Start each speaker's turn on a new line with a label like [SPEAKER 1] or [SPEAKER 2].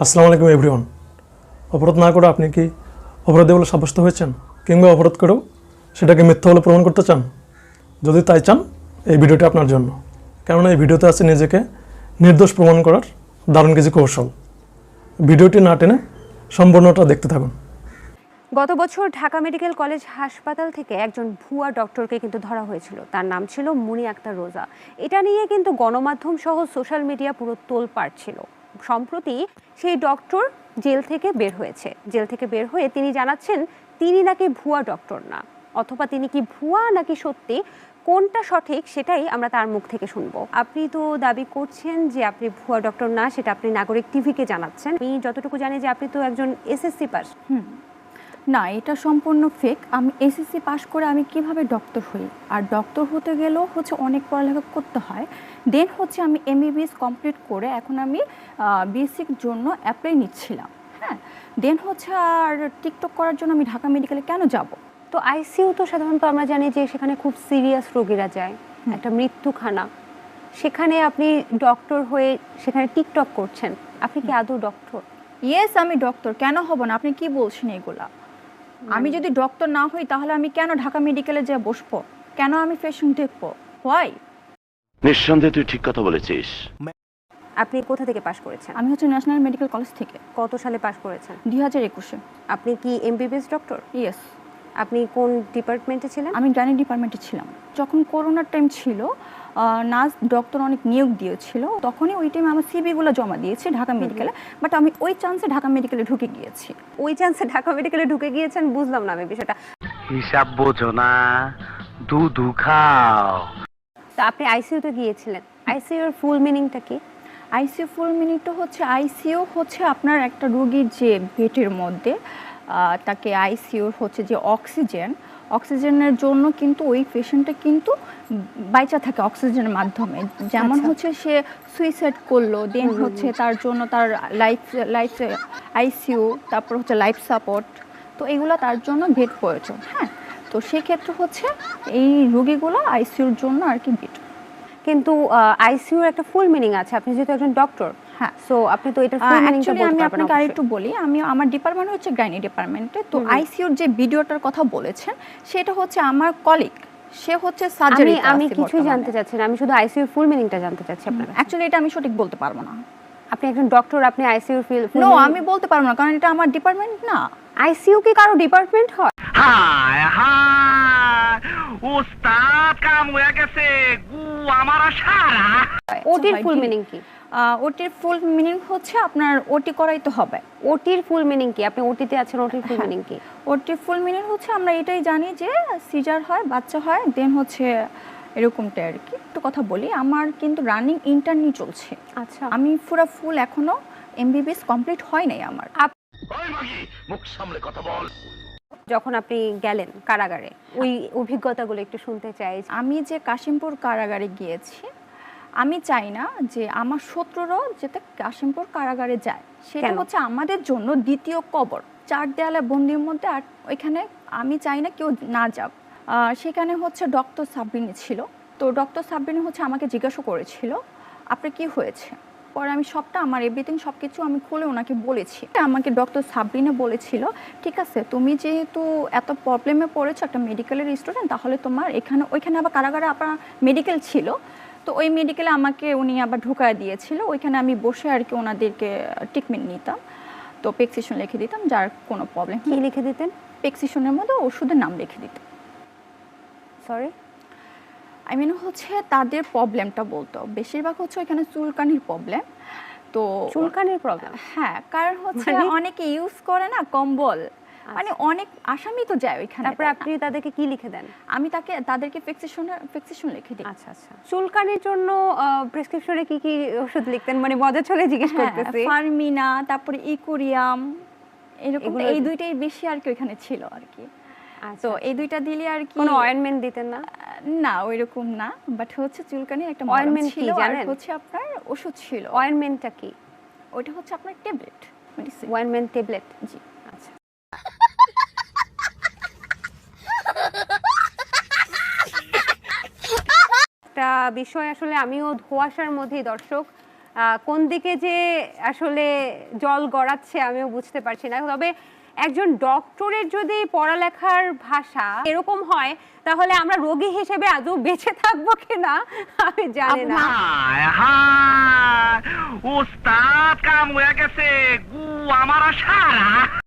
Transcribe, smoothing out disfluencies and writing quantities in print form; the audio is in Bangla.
[SPEAKER 1] আসসালামু আলাইকুম এভরিওয়ান। অপরাধ না করে আপনি কি অপরাধী বলে সাব্যস্ত হয়েছেন, কিংবা অপরাধ করেও সেটাকে মিথ্যা বলে প্রমাণ করতে চান? যদি তাই চান, এই ভিডিওটি আপনার জন্য। কেননা এই ভিডিওতে আছে নিজেকে নির্দোষ প্রমাণ করার দারুণ কিছু কৌশল। ভিডিওটি না টেনে সম্পূর্ণটা দেখতে থাকুন।
[SPEAKER 2] গত বছর ঢাকা মেডিকেল কলেজ হাসপাতাল থেকে একজন ভুয়া ডক্টরকে কিন্তু ধরা হয়েছিল। তার নাম ছিল মুনি আক্তার রোজা। এটা নিয়ে কিন্তু গণমাধ্যম সহ সোশ্যাল মিডিয়া পুরো তোলপাড় ছিল। সম্প্রতি সেই ডক্টর জেল থেকে বের হয়েছে। জেল থেকে বের হয়ে তিনি জানাচ্ছেন তিনি নাকি ভুয়া ডক্টর না, অথবা তিনি কি ভুয়া নাকি সত্যি, কোনটা সঠিক সেটাই আমরা তার মুখ থেকে শুনবো। আপনি তো দাবি করছেন যে আপনি ভুয়া ডক্টর না, সেটা আপনি নাগরিক টিভিকে জানাচ্ছেন। আমি যতটুকু জানি যে আপনি তো একজন এসএসসি পাস।
[SPEAKER 3] না, এটা সম্পূর্ণ ফেক। আমি এসএসসি পাশ করে আমি কিভাবে ডক্টর হই? আর ডক্টর হতে গেলেও অনেক পড়ালেখা করতে হয়। দেন আমি এমবিবিএস কমপ্লিট করে এখন আমি বিএসসির জন্য অ্যাপ্লাই নিচ্ছিলাম। হ্যাঁ, দেন আর টিকটক করার জন্য আমি ঢাকা মেডিকেলে কেন যাব?
[SPEAKER 2] তো আইসিইউ তো সাধারণত আমরা জানি যে সেখানে খুব সিরিয়াস রোগীরা যায়, একটা মৃত্যুখানা। সেখানে আপনি ডক্টর হয়ে সেখানে টিকটক করছেন, আপনি কি আদৌ ডক্টর?
[SPEAKER 3] ইয়েস, আমি ডক্টর। কেন হব না? আপনি কি বলছেন এগুলা? আমি যদি ডক্টর না হই তাহলে আমি কেন ঢাকা মেডিকেলে যেয়ে বসবো? কেন আমি পেশেন্ট দেখবো? হোয়াই?
[SPEAKER 4] নিঃসন্দেহে তুই ঠিক কথা বলেছিস।
[SPEAKER 2] আপনি কোথা থেকে পাশ করেছেন?
[SPEAKER 3] আমি ন্যাশনাল মেডিকেল কলেজ থেকে।
[SPEAKER 2] কত সালে পাশ করেছেন?
[SPEAKER 3] 2021-এ।
[SPEAKER 2] আপনি কি এমবিবিএস ডক্টর?
[SPEAKER 3] ইয়েস।
[SPEAKER 2] আপনি কোন ডিপার্টমেন্টে ছিলেন?
[SPEAKER 3] আমি গাইনি ডিপার্টমেন্টে ছিলাম। যখন করোনার টাইম ছিল, নার্স ডক্টর অনেক নিয়োগ দিয়েছিল, তখনই ওই টাইমে আমার সিভিগুলো জমা দিয়েছি ঢাকা মেডিকেলে। বাট আমি ওই চান্সে ঢাকা মেডিকেলে ঢুকে গিয়েছি।
[SPEAKER 2] ওই চান্সে ঢাকা মেডিকেলে ঢুকে গিয়েছেন? বুঝলাম না আমি বিষয়টা।
[SPEAKER 5] হিসাব বোঝো না, দুধু খাও।
[SPEAKER 2] তো আপনি আইসিইউতে গিয়েছিলেন, আইসিইউ এর ফুল মিনিংটা কি?
[SPEAKER 3] আইসিইউ ফুল মিনিংটা আইসিইউ আপনার একটা রোগীর যে পেটের মধ্যে তাকে আইসিইউর যে অক্সিজেনের জন্য কিন্তু ওই পেশেন্টটা কিন্তু বাইচা থাকে অক্সিজেনের মাধ্যমে। যেমন সে সুইসাইড করলো, দেন তার জন্য তার লাইফ আইসিইউ, তারপর লাইফ সাপোর্ট, তো এগুলো তার জন্য বেড প্রয়োজন। হ্যাঁ, তো সেক্ষেত্রে এই রোগীগুলো আইসিইউর জন্য আর কি বেড।
[SPEAKER 2] কিন্তু আইসিইউর একটা ফুল মিনিং আছে, আপনি যেহেতু একজন ডক্টর। হ্যাঁ, সো আপনি তো এটা ফুল মিনিংটা বলতে পারবেন।
[SPEAKER 3] আমি আপনাকে আরেকটু বলি, আমার ডিপার্টমেন্ট গাইনি ডিপার্টমেন্টে। তো আইসিইউর যে ভিডিওটার কথা বলেছেন সেটা আমার কলিগ, সে সার্জারি।
[SPEAKER 2] আমি কিছু জানতে চাচ্ছি না, আমি শুধু আইসিইউর ফুল মিনিংটা জানতে চাচ্ছি আপনার কাছে।
[SPEAKER 3] অ্যাকচুয়ালি এটা আমি সঠিক বলতে পারবো না।
[SPEAKER 2] আপনি একজন ডক্টর, আপনি আইসিইউর ফুল
[SPEAKER 3] নো, আমি বলতে পারবো না, কারণ এটা আমার ডিপার্টমেন্ট না।
[SPEAKER 2] আইসিইউ কি কারো ডিপার্টমেন্ট হয়?
[SPEAKER 5] হায় হায়, ওস্তাদ কাম হয়ে গেছে, গু আমার সারা।
[SPEAKER 2] ওটির ফুল মিনিং কি?
[SPEAKER 3] ওটির ফুল মিনিং আপনার ওটি করাইতে হবে।
[SPEAKER 2] ওটির ফুল মিনিং কি? আপনি ওটিতে আছেন, ওটির ফুল মিনিং কি?
[SPEAKER 3] ওটির ফুল মিনিং আমরা এটাই জানি যে সিজার হয়, বাচ্চা হয়, দেন এরকমটা আর কি। একটু কথা বলি, আমার কিন্তু রানিং ইন্টার্নি চলছে।
[SPEAKER 2] আচ্ছা,
[SPEAKER 3] আমি পুরো ফুল এখনো এমবিবিএস কমপ্লিট হয় নাই আমার।
[SPEAKER 4] ওই মাগি, মুখ সামলে কথা বল।
[SPEAKER 2] যখন আপনি গেলেন কারাগারে, ওই অভিজ্ঞতাগুলো একটু শুনতে চাই।
[SPEAKER 3] আমি যে কাশিমপুর কারাগারে গিয়েছি, আমি চাই না যে আমার শত্রুরাও যাতে কাশিমপুর কারাগারে যায়। সেটা আমাদের জন্য দ্বিতীয় কবর। 4 দেয়ালে বন্দির মধ্যে, আর ওইখানে আমি চাই না কেউ না যাক। সেখানে ডক্টর সাবরিনী ছিল। তো ডক্টর সাবরিনী আমাকে জিজ্ঞাসা করেছিল আপনার কি হয়েছে। পরে আমি আমার এভরিথিং সব কিছু আমি খুলে ওনাকে বলেছি। আমাকে ডক্টর সাবরিনা বলেছিল, ঠিক আছে, তুমি যেহেতু এত প্রবলেমে পড়েছো, একটা মেডিকেলের স্টুডেন্ট, তাহলে তোমার ওইখানে আবার কারাগারে আপনার মেডিকেল ছিল, তো ওই মেডিকেলে আমাকে উনি আবার ঢোকায় দিয়েছিল। ওইখানে আমি বসে আর কি ওনাদেরকে ট্রিটমেন্ট নিতাম। তো প্রেসক্রিপশন লিখে দিতাম, যার কোনো প্রবলেম।
[SPEAKER 2] কি লিখে দিতেন?
[SPEAKER 3] প্রেসক্রিপশনের মধ্যে ওষুধের নাম লিখে দিতাম।
[SPEAKER 2] সরি,
[SPEAKER 3] আই মিন তাদের প্রবলেমটা বলতো। বেশিরভাগ ওইখানে চুলকানির প্রবলেম। তো
[SPEAKER 2] চুলকানির প্রবলেম?
[SPEAKER 3] হ্যাঁ, কারণ অনেকে ইউজ করে না কম্বল, মানে অনেক আসামি তো যায় ওইখানে।
[SPEAKER 2] তারপরে আপনি তাদেরকে কি লিখে দেন?
[SPEAKER 3] আমি তাদেরকে প্রেসক্রিপশন লিখে দিই।
[SPEAKER 2] আচ্ছা আচ্ছা, চুলকানির জন্য প্রেসক্রিপশনে কি কি ওষুধ লিখতেন? মানে মজা চলে জিজ্ঞেস করতেছি।
[SPEAKER 3] ফার্মিনা, তারপরে ইকুরিয়াম, এরকম এই দুইটাই বেশি আর কি ওইখানে ছিল আর কি। তো এই দুইটা দিলে আর কি।
[SPEAKER 2] কোনো অয়েন্টমেন্ট দিতেন না?
[SPEAKER 3] না, ওইরকম না, বাট
[SPEAKER 2] একটা বিষয় আসলে আমিও ধোঁয়াশার মধ্যেই, দর্শক কোন দিকে যে আসলে জল গড়াচ্ছে আমিও বুঝতে পারছি না। তবে একজন ডক্টরের যদি পড়ালেখার ভাষা এরকম হয় তাহলে আমরা রোগী হিসেবে আদৌ বেঁচে থাকবো কিনা আমি জানি না।
[SPEAKER 5] হায় হায়, ওস্তাদ কাম হয়ে গেছে, গু আমার সারা।